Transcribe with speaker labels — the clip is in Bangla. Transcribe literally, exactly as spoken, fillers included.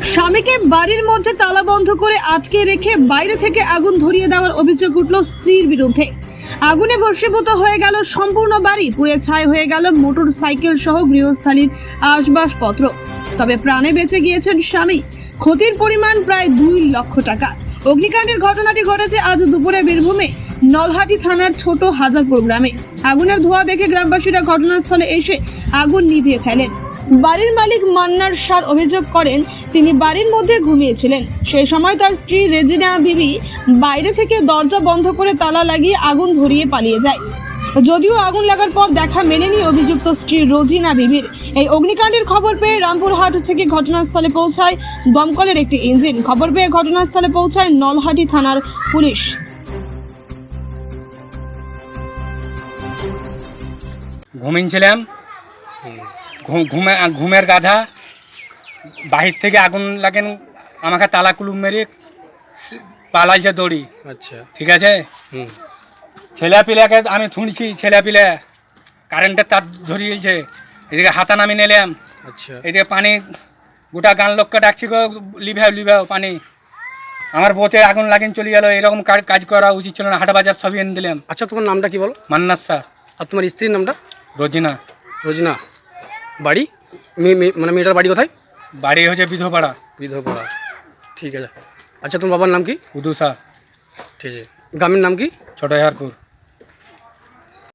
Speaker 1: স্বামীকে বাড়ির মধ্যে তালা বন্ধ করে আটকে রেখে বাইরে থেকে আগুন ধরিয়ে দেওয়ার অভিযোগ উঠল স্ত্রীর বিরুদ্ধে। আগুনে ভস্মীভূত হয়ে গেল সম্পূর্ণ বাড়ি, পুড়ে ছাই হয়ে গেল মোটর সাইকেল সহ গৃহস্থালীর আসবাবপত্র। তবে প্রাণে বেঁচে গিয়েছেন স্বামী। ক্ষতির পরিমাণ প্রায় দুই লক্ষ টাকা। অগ্নিকাণ্ডের ঘটনাটি ঘটেছে আজ দুপুরে বীরভূমে নলহাটি থানার ছোট হাজারপুর গ্রামে। আগুনের ধোঁয়া দেখে গ্রামবাসীরা ঘটনাস্থলে এসে আগুন নিভিয়ে ফেলেন। বাড়ির মালিক মান্নার সার অভিযোগ করেন, তিনি বাড়ির মধ্যে ঘুমিয়েছিলেন। সেই সময় তার স্ত্রী রেজিনা বিবি বাইরে থেকে দরজা বন্ধ করে তালা লাগিয়ে আগুন ধরিয়ে পালিয়ে যায়। যদিও আগুন লাগার পর দেখা মেলেনি অভিযুক্ত স্ত্রী রোজিনা বিবির। এই অগ্নিকাণ্ডের খবর পেয়ে রামপুরহাট থেকে ঘটনাস্থলে পৌঁছায় দমকলের একটি ইঞ্জিন। খবর পেয়ে ঘটনাস্থলে পৌঁছায় নলহাটি থানার পুলিশ।
Speaker 2: ঘুমিয়েছিলাম, ঘুমে ঘুমের গাধা বাহির থেকে আগুন লাগেন, আমাকে তালা কুলুম মেরে পালাইছে দড়ি।
Speaker 3: আচ্ছা,
Speaker 2: ঠিক আছে।
Speaker 3: হুম
Speaker 2: ছেলে পিলাকে আমি শুনছি, ছেলে পিলে কারেন্টের তার ধরিয়েছে। এদিকে হাতা নামি নিলাম।
Speaker 3: আচ্ছা,
Speaker 2: এদিকে পানি, গোটা গান লোককে ডাকছি গো, লিভাও লিভাও পানি। আমার বউতে আগুন লাগিন চলে গেল। এরকম কাজ করা উচিত ছিল না। হাটা বাজার সবই এনে দিলাম।
Speaker 3: আচ্ছা, তোমার নামটা কি বলো?
Speaker 2: মান্নার স্যার।
Speaker 3: আর তোমার স্ত্রীর নামটা?
Speaker 2: রোজিনা।
Speaker 3: রোজিনা। বাড়ি মেয়ে মেয়ে- মানে মেয়েটার বাড়ি কোথায়?
Speaker 2: বাড়ি হচ্ছে বিধপাড়া।
Speaker 3: বিধবা। ঠিক আছে। আচ্ছা, তোমার বাবার নাম কি?
Speaker 2: উদুসা।
Speaker 3: ঠিক আছে। গ্রামের নাম কি?
Speaker 2: ছোট হারপুর।